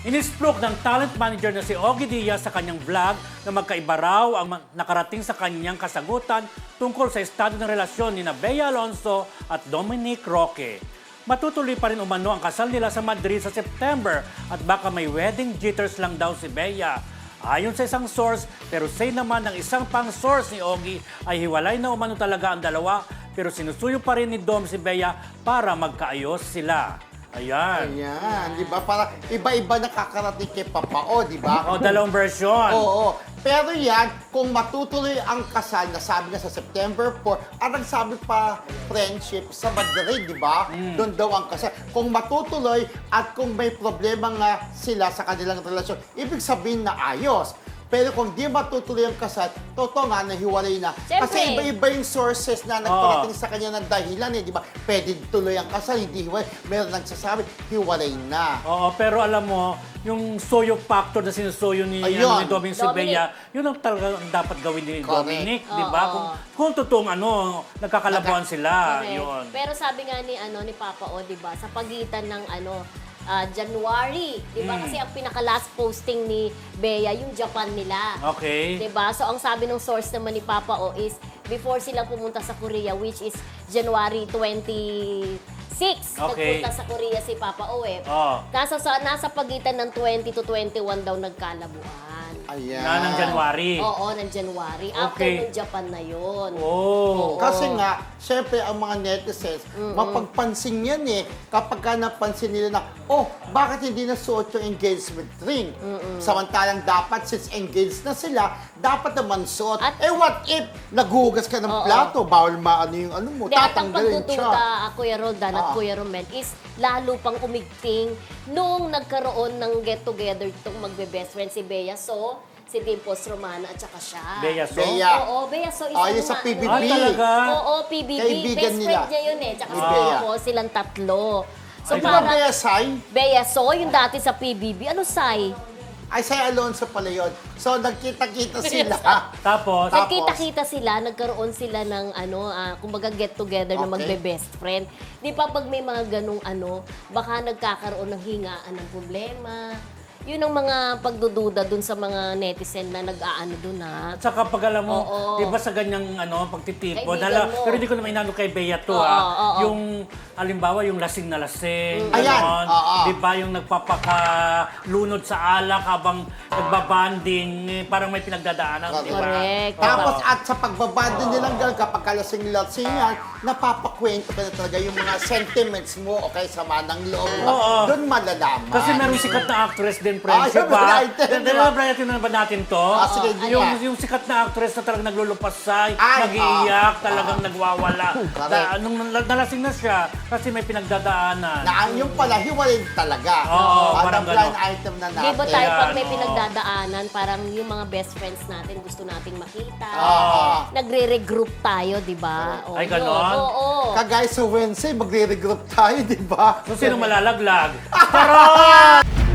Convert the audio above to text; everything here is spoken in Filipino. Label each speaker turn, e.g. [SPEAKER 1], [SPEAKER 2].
[SPEAKER 1] Inisplok ng talent manager na si Ogie Diaz sa kanyang vlog na magkaiba raw ang nakarating sa kanyang kasagutan tungkol sa estado ng relasyon ni Bea Alonzo at Dominic Roque. Matutuloy pa rin umano ang kasal nila sa Madrid sa September at baka may wedding jitters lang daw si Bea. Ayon sa isang source, pero say naman ng isang pang source ni Ogie ay hiwalay na umano talaga ang dalawa pero sinusuyo pa rin ni Dom si Bea para magkaayos sila. Ayan.
[SPEAKER 2] Ayan, di ba? Para iba-iba nakakarating kay Papao, di ba?
[SPEAKER 1] O, dalawang version.
[SPEAKER 2] Oo. Pero yan, kung matutuloy ang kasal, nasabi na sa September 4, at nagsabi pa friendship sa Madrid, di ba? Doon daw ang kasal. Kung matutuloy at kung may problema nga sila sa kanilang relasyon, ibig sabihin na ayos. Pero kung di matutuloy ang kasal, totoo nga, nahiwalay na.
[SPEAKER 3] Siyempre.
[SPEAKER 2] Kasi iba-iba yung sources na nagparating sa kanya ng dahilan, di ba? Pwede tuloy ang kasal, hindi hiwalay. Meron nagsasabi, hiwalay na.
[SPEAKER 1] Oo, pero alam mo, yung soyo factor na sinusoyo ni,
[SPEAKER 2] Ayun.
[SPEAKER 1] ni Dominic si Bea, yun ang talaga ang dapat gawin ni
[SPEAKER 2] Correct.
[SPEAKER 1] Dominic, di ba?
[SPEAKER 3] Oo.
[SPEAKER 1] Kung totoong nagkakalabuan sila,
[SPEAKER 3] Correct.
[SPEAKER 1] yun.
[SPEAKER 3] Pero sabi nga ni Papa O, 'di ba, sa pagitan ng January, 'di ba? Kasi ang pinaka last posting ni Bea yung Japan nila.
[SPEAKER 1] Okay.
[SPEAKER 3] 'Di ba? So ang sabi ng source naman ni Papa O is before sila pumunta sa Korea, which is January 26.
[SPEAKER 1] Okay.
[SPEAKER 3] Nagpunta sa Korea si Papa O eh.
[SPEAKER 1] Oh.
[SPEAKER 3] Nasa pagitan ng 20 to 21 daw nagkalabuan.
[SPEAKER 2] Ayan.
[SPEAKER 1] Na ng January.
[SPEAKER 3] Oo, ng January. After
[SPEAKER 1] Okay.
[SPEAKER 3] ng Japan na yun.
[SPEAKER 1] Oh.
[SPEAKER 2] Kasi nga, syempre ang mga netizens, mapagpansin yan eh. Kapag ka napansin nila na, oh, bakit hindi nasuot yung engagement ring? Samantalang dapat, since engaged na sila, dapat naman suot.
[SPEAKER 3] At-
[SPEAKER 2] What if naghugas ka ng
[SPEAKER 3] Oo.
[SPEAKER 2] plato, bawal maano yung ano mo,
[SPEAKER 3] Hindi, at ang
[SPEAKER 2] tatanggalin siya.
[SPEAKER 3] pagdududa, Kuya Roldan at
[SPEAKER 2] Oo.
[SPEAKER 3] Kuya Romel, is lalo pang umigting nung nagkaroon ng get-together itong magbe-best friend si Bea So, si Dimples Romana at saka siya.
[SPEAKER 1] Bea So?
[SPEAKER 2] Bea.
[SPEAKER 3] Oo, Bea So.
[SPEAKER 2] Oh, yun sa PBB.
[SPEAKER 1] Ah, talaga?
[SPEAKER 3] Oo, PBB.
[SPEAKER 2] Kaibigan
[SPEAKER 3] Best
[SPEAKER 2] nila.
[SPEAKER 3] friend niya yun eh. Tsaka
[SPEAKER 2] Ni
[SPEAKER 3] si
[SPEAKER 2] Bea.
[SPEAKER 3] Dimples, silang tatlo. So,
[SPEAKER 1] Ay,
[SPEAKER 2] Di ba
[SPEAKER 3] parang
[SPEAKER 2] Bea Sai?
[SPEAKER 3] Bea So, yung dati sa PBB. Ano, Sai?
[SPEAKER 2] Ay, Sai Alonso pala yun. So, nagkita-kita sila.
[SPEAKER 1] Tapos,
[SPEAKER 2] Tapos?
[SPEAKER 3] Nagkita-kita sila, nagkaroon sila ng kumbaga get together na
[SPEAKER 2] Okay.
[SPEAKER 3] magbe-best friend. Di pa pag may mga ganong baka nagkakaroon ng hingaan ng problema. Yun ang mga pagdududa dun sa mga netizen na nag-aano dun ha.
[SPEAKER 1] at saka pag alam mo,
[SPEAKER 3] Oo.
[SPEAKER 1] di ba sa ganyang pagtitipon,
[SPEAKER 3] Kaibigan mo.
[SPEAKER 1] pero hindi ko naman inano kay Bea to
[SPEAKER 3] Oo,
[SPEAKER 1] ha,
[SPEAKER 3] oo.
[SPEAKER 1] yung halimbawa yung lasing na lasing,
[SPEAKER 2] Ayan,
[SPEAKER 1] ganon.
[SPEAKER 2] oo.
[SPEAKER 1] Di ba yung nagpapakalunod sa alak habang nagbabanding, parang may pinagdadaanan, di ba?
[SPEAKER 3] Correct.
[SPEAKER 1] Oo.
[SPEAKER 2] Tapos at sa pagbabando nilang gano'n, kapag kalasing-lasingan, napapakwento ka na talaga yung mga sentiments mo o kaya sama ng loob.
[SPEAKER 1] Oo.
[SPEAKER 2] Doon malalaman.
[SPEAKER 1] Kasi merong sikat na actress din,
[SPEAKER 2] Ah,
[SPEAKER 1] friendship
[SPEAKER 2] yun,
[SPEAKER 1] ba?
[SPEAKER 2] Brighton, di ba?
[SPEAKER 1] Brighton na ba natin to?
[SPEAKER 2] Ah, sige, hindi
[SPEAKER 1] yung,
[SPEAKER 2] nga.
[SPEAKER 1] yung sikat na actress na talagang naglulupasay,
[SPEAKER 2] Ay,
[SPEAKER 1] nag-iiyak,
[SPEAKER 2] ah,
[SPEAKER 1] talagang nagwawala.
[SPEAKER 2] Correct.
[SPEAKER 1] Nung nalasing na siya, kasi may pinagdadaanan.
[SPEAKER 2] Na yung pala, hiwalay talaga.
[SPEAKER 1] Oo,
[SPEAKER 2] Ang
[SPEAKER 1] parang
[SPEAKER 2] blind
[SPEAKER 1] gano'n.
[SPEAKER 2] item na
[SPEAKER 3] Di
[SPEAKER 2] natin.
[SPEAKER 3] ba tayo pag may
[SPEAKER 1] Ayan, oo.
[SPEAKER 3] pinagdadaanan, parang yung mga best friends natin gusto nating makita.
[SPEAKER 2] Oo.
[SPEAKER 3] Nagre-regroup tayo, di ba? Oo,
[SPEAKER 1] Ay,
[SPEAKER 3] yun.
[SPEAKER 1] ganon?
[SPEAKER 3] Oo.
[SPEAKER 2] Kagaya sa Wednesday, magre-regroup tayo, di ba?
[SPEAKER 1] So, sino malalaglag? Charot!